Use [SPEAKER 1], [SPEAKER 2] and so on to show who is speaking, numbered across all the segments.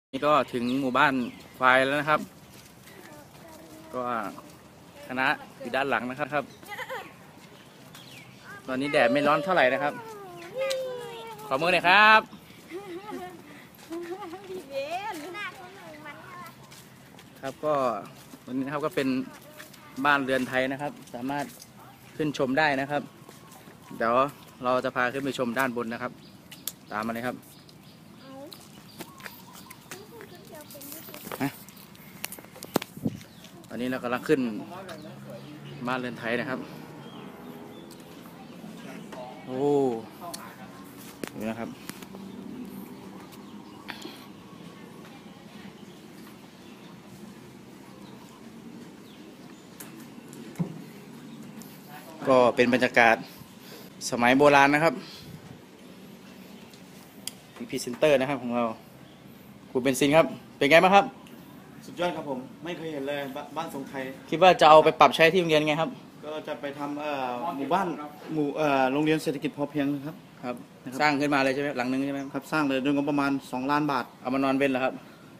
[SPEAKER 1] นี่ก็ถึงหมู่บ้านควายแล้วนะครับ ก็คณะอยู่ด้านหลังนะครับ ตอนนี้แดดไม่ร้อนเท่าไหร่นะครับ ขอมือหน่อยครับครับก็วันนี้นะครับก็เป็นบ้านเรือนไทยนะครับ สามารถขึ้นชมได้นะครับ เดี๋ยวเราจะพาขึ้นไปชมด้านบนนะครับ ตามมาเลยครับตอนนี้เรากำลังขึ้นบ้านเรือนไทยนะครับโอ้ดูนะครับก็เป็นบรรยากาศสมัยโบราณนะครับพรีเซนเตอร์นะครับของเราคุณเบนซินครับเป็นไงบ้างครับ
[SPEAKER 2] สุดยอดครับผมไม่เคยเห็นเลยบ้านทรงไทย
[SPEAKER 1] คิดว่าจะเอาไปปรับใช้ที่โรงเรียนไงครับ
[SPEAKER 2] ก็จะไปทำหมู่บ้านโรงเรียนเศรษฐกิจพอเพียงครับ
[SPEAKER 1] ครับสร้างขึ้นมาเลยใช่ไหมหลังนึงใช่ไหม
[SPEAKER 2] ครับสร้างเลยด้วยงบประมาณ2 ล้านบาท
[SPEAKER 1] เอามานอนเป็นเหรอครับ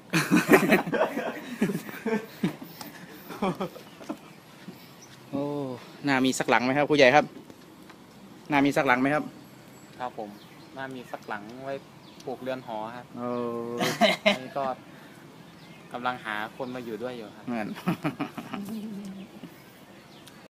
[SPEAKER 1] โอ้น่ามีสักหลังไหมครับผู้ใหญ่ครับน่ามีสักหลังไหมครับ
[SPEAKER 3] ครับผมน่ามีสักหลังไว้ปลูกเรือนหอครับนี่ก็กำลังหาคนมาอยู่ด้วยอยู่ครับ
[SPEAKER 1] เหมือน